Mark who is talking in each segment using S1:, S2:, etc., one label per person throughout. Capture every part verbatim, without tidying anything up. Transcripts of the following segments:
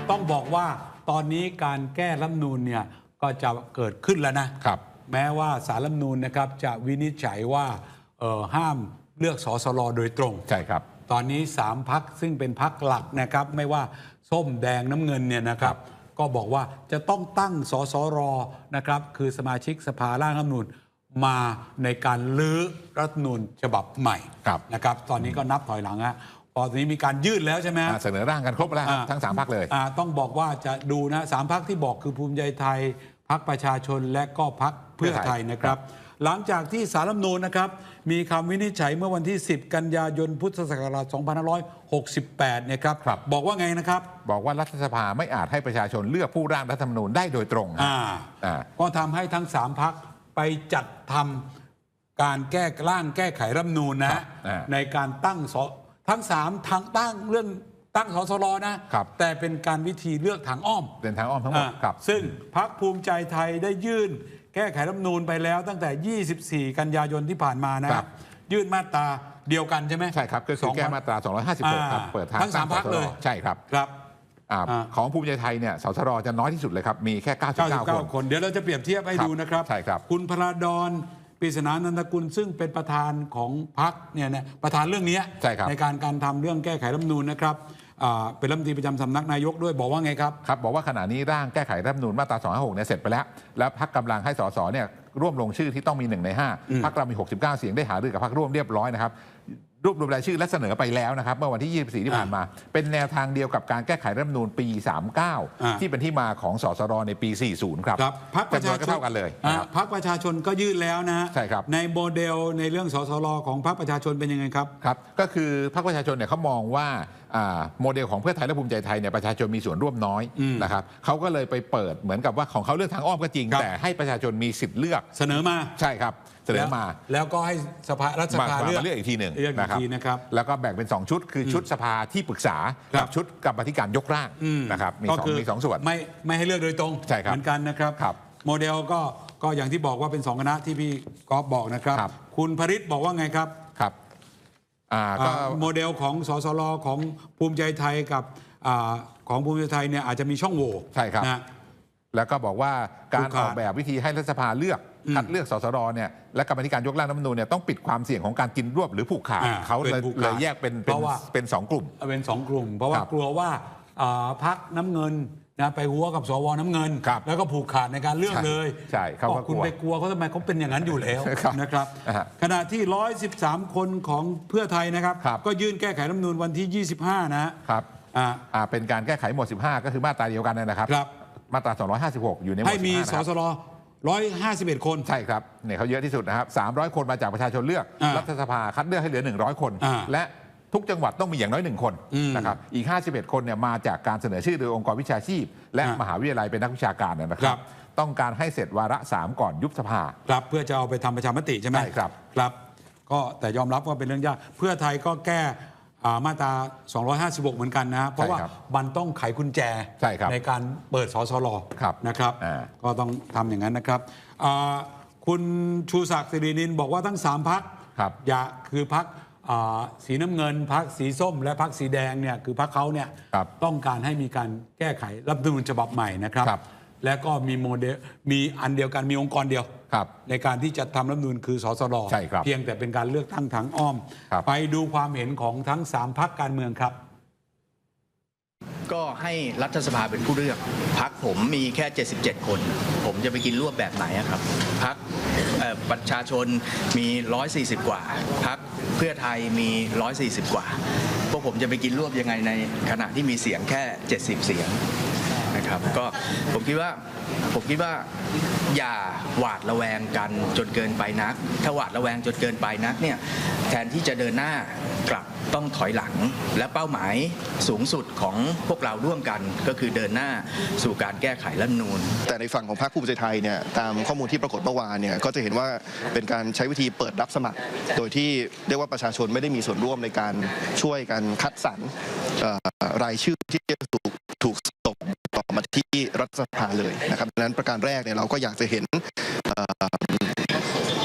S1: ต้องบอกว่าตอนนี้การแก้รัฐธรรมนูญเนี่ยก็จะเกิดขึ้นแล้วนะครับแม้ว่าศาลรัฐธรรมนูญนะครับจะวินิจฉัยว่าห้ามเลือกสสรโดยตรง
S2: ใช่ครับ
S1: ตอนนี้สามพรรคซึ่งเป็นพรรคหลักนะครับไม่ว่าส้มแดงน้ำเงินเนี่ยนะครับก็บอกว่าจะต้องตั้งสสรนะครับคือสมาชิกสภาร่างรัฐธรรมนูญมาในการลื้อรัฐธรรมนูญฉบับใหม่นะครับตอนนี้ก็นับถอยหลังฮะพอตอนนี้มีการยื่นแล้วใช่ไหม
S2: เสนอร่างกันครบแล้วทั้งสามพรรคเลย
S1: ต้องบอกว่าจะดูนะสามพรรคที่บอกคือภูมิใจไทยพรรคประชาชนและก็พรรคเพื่อไทยนะครับหลังจากที่ศาลรัฐธรรมนูญนะครับมีคำวินิจฉัยเมื่อวันที่สิบกันยายนพุทธศักราชสองพันห้าร้อยหกสิบแปดเนี่ยครับบอกว่าไงนะครับ
S2: บอกว่ารัฐสภาไม่อาจให้ประชาชนเลือกผู้ร่างรัฐธรรมนูญได้โดยตรง
S1: ก็ทำให้ทั้งสามพรรคไปจัดทำการแก้ร่างแก้ไขรัฐธรรมนูญนะในการตั้งทั้งสามทางตั้งเรื่องตั้งสสรนะแต่เป็นการวิธีเลือกทางอ้อม
S2: เป็นทางอ้อมทั้งหมดครับ
S1: ซึ่งพรรคภูมิใจไทยได้ยื่นแก้ไขรัฐธรรมนูญไปแล้วตั้งแต่ยี่สิบสี่กันยายนที่ผ่านมานะยื่นมาตราเดียวกันใช่ไหม
S2: ใช่ครับก็คือแก้มาตราสองร้อยห้าสิบหกครับเปิดทาง
S1: ทั้งสามพรรคเลย
S2: ใช่ครับ
S1: ครับ
S2: ของภูมิใจไทยเนี่ยสสรจะน้อยที่สุดเลยครับมีแค่เก้าสิบเก้า
S1: คนเดี๋ยวเราจะเปรียบเทียบให้ดูนะครับ
S2: ใช่ครับ
S1: คุณพระดอนปริศนานันทกุลซึ่งเป็นประธานของพรรคเนี่ยนะประธานเรื่องนี้
S2: ใ, ใน
S1: การการทำเรื่องแก้ไขรัฐธรรมนูญนะครับเป็นรัฐมนตรีประจำสำนักนายกด้วยบอกว่าไงครับ
S2: ครับบอกว่าขณะนี้ร่างแก้ไขรัฐธรรมนูญมาตราสองร้อยห้าสิบหกเนี่ยเสร็จไปแล้วแล้วพรรคกำลังให้สสเนี่ยร่วมลงชื่อที่ต้องมีหนึ่งในห้าพรรคเรามีหกสิบเก้าเสียงได้หารือกับพรรคร่วมเรียบร้อยนะครับรวบรวมรายชื่อและเสนอไปแล้วนะครับเมื่อวันที่ยี่สิบสี่ที่ผ่านมาเป็นแนวทางเดียวกับการแก้ไขรัฐธรรมนูญปีสามสิบเก้าที่เป็นที่มาของสสรในปีสี่สิบครับ
S1: พรรคประชาชน
S2: เท่ากันเลย
S1: พรรคประชาชนก็ยื่นแล้วนะ
S2: ใช่ครับ
S1: ในโมเดลในเรื่องสสรของพรรคประชาชนเป็นยังไงครับ
S2: ครับก็คือพรรคประชาชนเนี่ยเขามองว่าโมเดลของเพื่อไทยและภูมิใจไทยเนี่ยประชาชนมีส่วนร่วมน้อยนะครับเขาก็เลยไปเปิดเหมือนกับว่าของเขาเลือกทางอ้อมก็จริงแต่ให้ประชาชนมีสิทธิ์เลือก
S1: เสนอมา
S2: ใช่ครับเสนอมา
S1: แล้วก็ให้สภารัฐสภาเลือก
S2: อีกทีหนึ่ง
S1: นะครับ
S2: แล้วก็แบ่งเป็นสองชุดคือชุดสภาที่ปรึกษากับชุดกรรมธิการยกร่างนะครับมีสองมีสองส่วน
S1: ไม่ไม่ให้เลือกโดยตรงเหมือนกันนะครับโมเดลก็ก็อย่างที่บอกว่าเป็นสองคณะที่พี่กอล์ฟบอกนะครับคุณพริตบอกว่าไงครับ
S2: ครับ
S1: โมเดลของสสรของภูมิใจไทยกับของภูมิใจไทยเนี่ยอาจจะมีช่องโหว่
S2: ใช่ครับแล้วก็บอกว่าการออกแบบวิธีให้รัฐสภาเลือกคัดเลือกสสรเนี่ยและกรรมธิการยกร่างรัฐธรรมนูญเนี่ยต้องปิดความเสี่ยงของการกินรวบหรือผูกขาดเขาเลยเลยแยกเป็นเป็นเป็นสองกลุ่ม
S1: เป็นสองกลุ่มเพราะว่ากลัวว่าพรรคน้ำเงินนะไปหัวกับสวน้ำเงินแล้วก็ผูกขาดในการเลือกเลย
S2: ใช่เขา
S1: คุณไปกลัวเขาทำไมเขาเป็นอย่างนั้นอยู่แล้วนะครับขณะที่หนึ่งร้อยสิบสามคนของเพื่อไทยนะครับก็ยื่นแก้ไขรัฐธรรมนูญวันที่ยี่สิบห้านะครับ
S2: อ่าเป็นการแก้ไขหมวดสิบห้าก็คือมาตราเดียวกันนะครับมาตราสองร้อยห้าสิบหกอยู่ในหมวด
S1: ให้มีสสรหนึ่งร้อยห้าสิบเอ็ดคน
S2: ใช่ครับเนี่ยเขาเยอะที่สุดนะครับสามร้อยคนมาจากประชาชนเลือกรัฐสภาคัดเลือกให้เหลือหนึ่งร้อยคนและทุกจังหวัดต้องมีอย่างน้อยหนึ่งคนนะครับอีกห้าสิบเอ็ดคนเนี่ยมาจากการเสนอชื่อโดยองค์กรวิชาชีพและมหาวิทยาลัยเป็นนักวิชาการนะครับต้องการให้เสร็จวาระสามก่อนยุบสภา
S1: ครับเพื่อจะเอาไปทำประชามติใช่ไหม
S2: ใช่ครับ
S1: ครับก็แต่ยอมรับว่าเป็นเรื่องยากเพื่อไทยก็แก้มาตราสองร้อยห้าสิบหกเหมือนกันนะเพราะว่ามันต้องไขกุญแจ
S2: ใ,
S1: ในการเปิดสสรนะครับก็ต้องทำอย่างนั้นนะครับคุณชูศักดิ์สิรินินบอกว่าทั้งสามพรรคอย่าคือพรรคสีน้ำเงินพรรคสีส้มและพรรคสีแดงเนี่ยคือพรรคเขาเนี่ยต้องการให้มีการแก้ไขรัฐธรรมนูญฉบับใหม่นะครับและก็มีโมเดลมีอันเดียวกันมีองค์กรเดียวในการที่จะทำรัฐธรรมนูญคือสสรเพียงแต่เป็นการเลือกตั้งทางอ้อมไปดูความเห็นของทั้งสามพรรคการเมืองครับ
S3: ก็ให้รัฐสภาเป็นผู้เลือกพรรคผมมีแค่เจ็ดสิบเจ็ดคนผมจะไปกินรวบแบบไหนครับพรรคประชาชนมีหนึ่งร้อยสี่สิบกว่าพรรคเพื่อไทยมีหนึ่งร้อยสี่สิบกว่าพวกผมจะไปกินรวบยังไงในขณะที่มีเสียงแค่เจ็ดสิบเสียงนะครับก็ผมคิดว่าผมคิดว่าอย่าหวาดระแวงกันจนเกินไปนักถ้าหวาดระแวงจนเกินไปนักเนี่ยแทนที่จะเดินหน้ากลับต้องถอยหลังและเป้าหมายสูงสุดของพวกเราร่วมกันก็คือเดินหน้าสู่การแก้ไขรัฐธรรมนูญ
S4: แต่ในฝั่งของพรรคภูมิใจไทยเนี่ยตามข้อมูลที่ปรากฏเมื่อวานเนี่ยก็จะเห็นว่าเป็นการใช้วิธีเปิดรับสมัครโดยที่เรียกว่าประชาชนไม่ได้มีส่วนร่วมในการช่วยกันคัดสรรรายชื่อที่จะถูกถูกส่งต่อมาที่รัฐสภาเลยนะครับดังนั้นประการแรกเนี่ยเราก็อยากจะเห็นประชา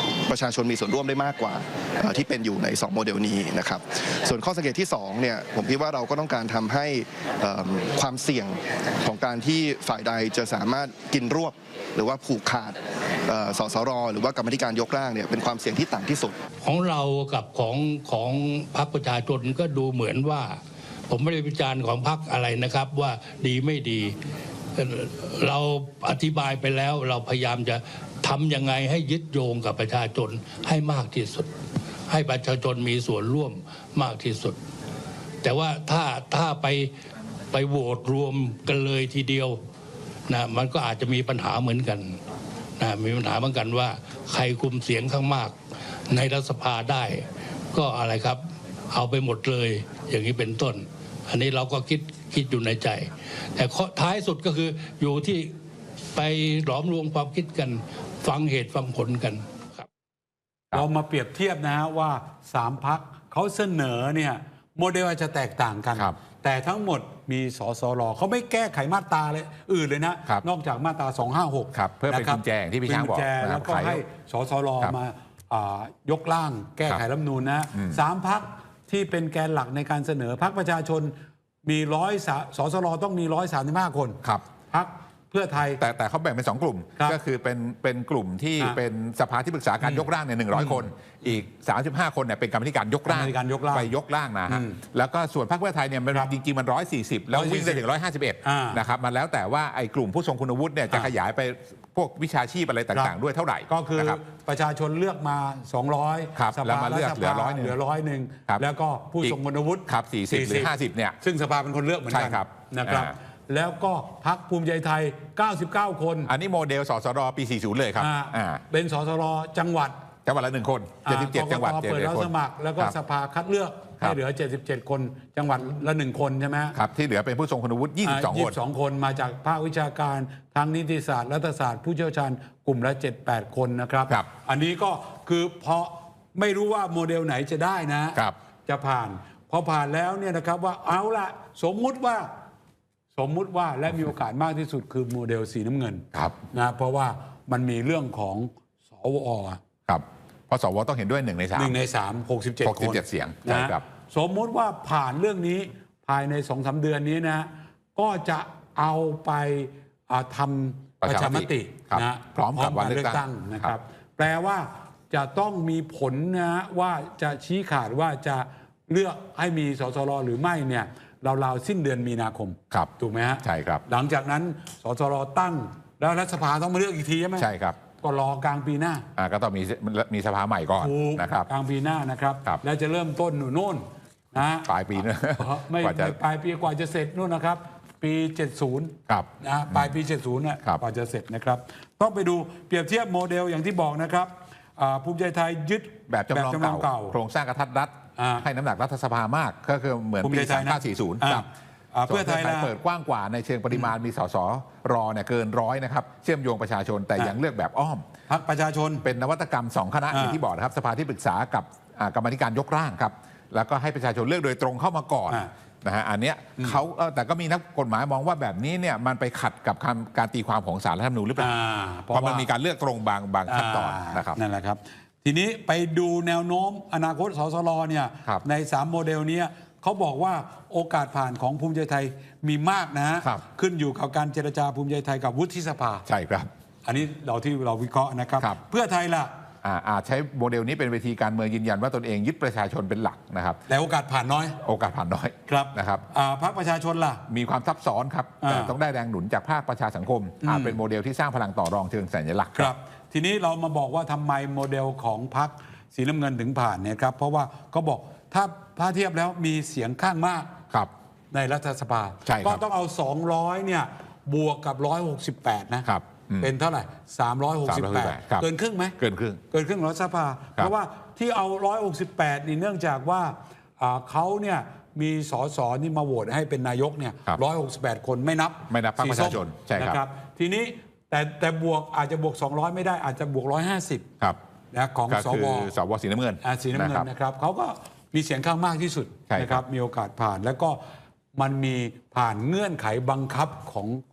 S4: ชาชนมีส่วนร่วมได้มากกว่าที่เป็นอยู่ในสองโมเดลนี้นะครับส่วนข้อสังเกตที่สองเนี่ยผมคิดว่าเราก็ต้องการทำให้ความเสี่ยงของการที่ฝ่ายใดจะสามารถกินรวบหรือว่าผูกขาดสสรหรือว่ากรรมธิการยกร่างเนี่ยเป็นความเสี่ยงที่ต่ำที่สุด
S5: ของเรากับของของพรรคประชาชนก็ดูเหมือนว่าผมไม่ได้วิจารณ์ของพรรคอะไรนะครับว่าดีไม่ดีเราอธิบายไปแล้วเราพยายามจะทำยังไงให้ยึดโยงกับประชาชนให้มากที่สุดให้ประชาชนมีส่วนร่วมมากที่สุดแต่ว่าถ้าถ้าไปไปโหวตรวมกันเลยทีเดียวนะมันก็อาจจะมีปัญหาเหมือนกันนะมีปัญหาเหมือนกันว่าใครคุมเสียงข้างมากในรัฐสภาได้ก็อะไรครับเอาไปหมดเลยอย่างนี้เป็นต้นอันนี้เราก็คิดคิดอยู่ในใจแต่ท้ายสุดก็คืออยู่ที่ไปหลอมรวมความคิดกันฟังเหตุฟังผลกันครับ
S1: เรามาเปรียบเทียบนะฮะว่าสามพรรคเขาเสนอเนี่ยโมเดลอาจจะแตกต่างกันแต่ทั้งหมดมีสสรเขาไม่แก้ไขมาตราเลยอื่นเลยนะนอกจากมาตราสองห้าหก
S2: เพื่อเป็นกุญแจที่พี่ช้างบอก
S1: แล้วก็ให้สสรมายกร่างแก้ไขรัฐธรรมนูญนะสามพรรคที่เป็นแกนหลักในการเสนอพรรคประชาชนมีร้อยสสรต้องมีร้อยสามสิบห้าคน
S2: ครับ
S1: พรรคเพื่อไทย
S2: แต่แต่เขาแบ่งเป็นสองกลุ่มก็คือเป็นเป็นกลุ่มที่เป็นสภาที่ปรึกษาการยกร่างเนี่ยหนึ่งร้อยคนอีกสามสิบห้าคนเนี่ยเป็นกรรมธิการยกร่างไปยกร่างนะฮะแล้วก็ส่วนพรรคเพื่อไทยเนี่ยมันจริงๆมันร้อยสี่สิบแล้ววิ่งได้ถึงร้อยห้าสิบเอ็ดนะครับมันแล้วแต่ว่าไอ้กลุ่มผู้ทรงคุณวุฒิเนี่ยจะขยายไปพวกวิชาชีพอะไรต่างๆด้วยเท่าไหร่
S1: ก็คือประชาชนเลือกมาสองร้อย
S2: สภามาเลือกเหลือร้อยหนึ่ง
S1: เหลือร้อยหนึ่งแล้วก็ผู้ทรงคุณวุฒิ
S2: ครับสี่สิบหรือห้าสิบเนี่ย
S1: ซึ่งสภาเป็นคนเลือกเหมือนกันนะครับแล้วก็พรรคภูมิใจไทยเก้าสิบเก้าคน
S2: อันนี้โมเดลสสรปีสี่สิบเลยครับ
S1: เป็นสสรจังหวัด
S2: จังหวัดละหนึ่งคนเจ็ดสิบเจ็ดจังหวัด
S1: เปิดรับสมัครแล้วก็สภาคัดเลือกให้เหลือเจ็ดสิบเจ็ดคนจังหวัดละหนึ่งคนใช่ไหม
S2: ครับที่เหลือเป็นผู้ทรงคุณวุฒิยี่สิบสองคน
S1: ยี่สิบสองคนมาจากภาควิชาการทางนิติศาสตร์รัฐศาสตร์ผู้เชี่ยวชาญกลุ่มละเจ็ดแปดคนนะครับอันนี้ก็คือเพราะไม่รู้ว่าโมเดลไหนจะได้นะจะผ่านพอผ่านแล้วเนี่ยนะครับว่าเอาละสมมุติว่าสมมุติว่าและมีโอกาสมากที่สุดคือโมเดลสีน้ำเงินนะเพราะว่ามันมีเรื่องของสว
S2: ครับเพราะสวต้องเห็นด้วยหนึ่งในสาม
S1: หนึ่งในสามหกสิบเจ็ดคน
S2: เสียง
S1: นะครับสมมุติว่าผ่านเรื่องนี้ภายในสองสามเดือนนี้นะก็จะเอาไปทำประชามตินะ
S2: พร้อมกับวันเลือกตั้ง
S1: นะครับแปลว่าจะต้องมีผลนะว่าจะชี้ขาดว่าจะเลือกให้มีสสรหรือไม่เนี่ยราวๆสิ้นเดือนมีนาคมถูกไหมฮะ
S2: ใช่ครับ
S1: หลังจากนั้นสสรตั้งแล้วรัฐสภาต้องมาเลือกอีกทีใช่ไหม
S2: ใช่ครับ
S1: ก็รอกลางปีหน้า
S2: อ่าก็ต้องมีมีสภาใหม่ก่อนนะครับ
S1: กลางปีหน้านะครับแล้วจะเริ่มต้นโน่นนะ
S2: ปลายปีนะ
S1: ไม่ปลายปีกว่าจะเสร็จนู่นนะครับปีเจ็ดสิบนะปลายปีเจ็ดสิบน่ะกว่าจะเสร็จนะครับต้องไปดูเปรียบเทียบโมเดลอย่างที่บอกนะครับภูมิใจไทยยึด
S2: แบบจำลองเก่าโครงสร้างกระทัดรัดให้น้ำหนักรัฐสภามากก็คือเหมือนปีสองพันห้าร้อยสี่สิบครับเพื่อไทยเปิดกว้างกว่าในเชิงปริมาณมีสสรอเนี่ยเกินร้อยนะครับเชื่อมโยงประชาชนแต่ยังเลือกแบบอ้อม
S1: พรรคประชาชน
S2: เป็นนวัตกรรมสองคณะอย่างที่บอกนะครับสภาที่ปรึกษากับกรรมธิการยกร่างครับแล้วก็ให้ประชาชนเลือกโดยตรงเข้ามาก่อนนะฮะอันเนี้ยเขาแต่ก็มีนักกฎหมายมองว่าแบบนี้เนี่ยมันไปขัดกับการตีความของศาลรัฐธรรมนูญหรือเปล่าเพราะมันมีการเลือกตรงบางบางขั้นตอนนะครับ
S1: นั่นแหละครับทีนี้ไปดูแนวโน้มอนาคตสสรเนี่ยในสามโมเดลนี้เขาบอกว่าโอกาสผ่านของภูมิใจไทยมีมากนะฮะขึ้นอยู่กับการเจรจาภูมิใจไทยกับวุฒิสภา
S2: ใช่ครับ
S1: อันนี้เราที่เราวิเคราะห์นะครับเพื่อไทยล่ะ
S2: อาจใช้โมเดลนี้เป็นเวทีการเมืองยืนยันว่าตนเองยึดประชาชนเป็นหลักนะครับ
S1: แต่โอกาสผ่านน้อย
S2: โอกาสผ่านน้อย
S1: ครับ
S2: นะครับ
S1: พรรคประชาชนล่ะ
S2: มีความซับซ้อนครับแต่ต้องได้แรงหนุนจากภาคประชาสังคมอาจเป็นโมเดลที่สร้างพลังต่อรองเชิงสัญลักษณ์
S1: ครับทีนี้เรามาบอกว่าทำไมโมเดลของพรรคสีน้ำเงินถึงผ่านเนี่ยครับเพราะว่าเขาบอกถ้าถ้าเทียบแล้วมีเสียงข้างมากในรัฐสภาก็ต้องเอาสองร้อยเนี่ยบวกกับหนึ่งร้อยหกสิบแปดนะครับเป็นเท่าไหร่สามร้อยหกสิบแปดเกินครึ่งไหม
S2: เกินครึ่ง
S1: เกินครึ่งรัฐสภาเพราะว่าที่เอาหนึ่งร้อยหกสิบแปดนี่เนื่องจากว่าเขาเนี่ยมีสสนี่มาโหวตให้เป็นนายกเนี่ยหนึ่งร้อยหกสิบแปดคนไม่นับ
S2: ไม่นับพรรคประชาชนใช่ครับ
S1: ทีนี้แต่แต่บวกอาจจะบวกสองร้อยไม่ได้อาจจะบวกหนึ่งร้อยห้าสิบ
S2: ครับ
S1: นะของสว
S2: สวสีน้ำเงิน
S1: สีน้ำเงินนะครับเขาก็มีเสียงข้างมากที่สุดนะครับมีโอกาสผ่านแล้วก็มันมีผ่านเงื่อนไขบังคับของ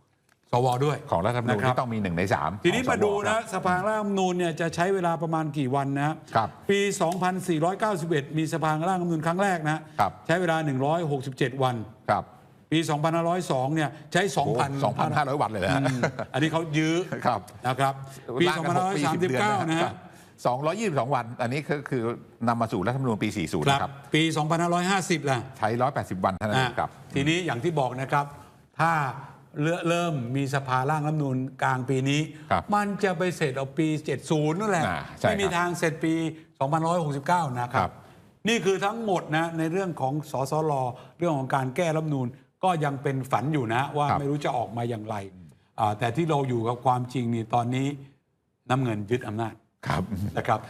S1: สวด้วย
S2: ของรัฐธรรมนูญ
S1: นะครับ
S2: ที่ต้องมีหนึ่งในสาม
S1: ทีนี้
S2: ของ
S1: มาดู
S2: สว
S1: นะครับ สภาร่างรัฐธรรมนูญเนี่ยจะใช้เวลาประมาณกี่วันนะครับ ปี สองพันสี่ร้อยเก้าสิบเอ็ด มีสภาร่างรัฐธรรมนูญครั้งแรกนะครับ ใช้เวลา หนึ่งร้อยหกสิบเจ็ด วัน
S2: ครับ
S1: ปี สองพันห้าร้อยสอง เนี่ยใช้
S2: สองพันห้าร้อย
S1: 2,000
S2: วันเลยนะ
S1: อืมอันนี้เขายื้อ
S2: ครับ
S1: นะครับปี สองพันห้าร้อยสามสิบเก้า นะฮะ
S2: สองร้อยยี่สิบสองวัน อันนี้คือคือนำมาสู่รัฐธรรมนูญปี สี่สิบ
S1: ครับ
S2: นะครับ
S1: ปี สองพันห้าร้อยห้าสิบ ล่ะ
S2: ใช้หนึ่งร้อยแปดสิบวันเท่านั้นเองครับ
S1: อ่ะทีนี้อย่างที่บอกนะครับ ถ้าเริ่มมีสภาร่างรัฐธรรมนูญกลางปีนี้
S2: ครับ
S1: มันจะไปเสร็จเอาปี เจ็ดสิบ นั่นแหละ
S2: อ่าใช่
S1: ไม่มี
S2: ครับ
S1: ทางเสร็จปี สองพันหนึ่งร้อยหกสิบเก้า นะค
S2: ครั
S1: รับ
S2: บ
S1: นี่คือทั้งหมดนะในเรื่องของสสรเรื่องของการแก้รัฐธรรมนูญก็ยังเป็นฝันอยู่นะว่าไม่รู้จะออกมาอย่างไรอ่าแต่ที่เราอยู่กับความจริงนี่ตอนนี้น้ำเงินยึดอำนาจ
S2: ครับ
S1: นะครับ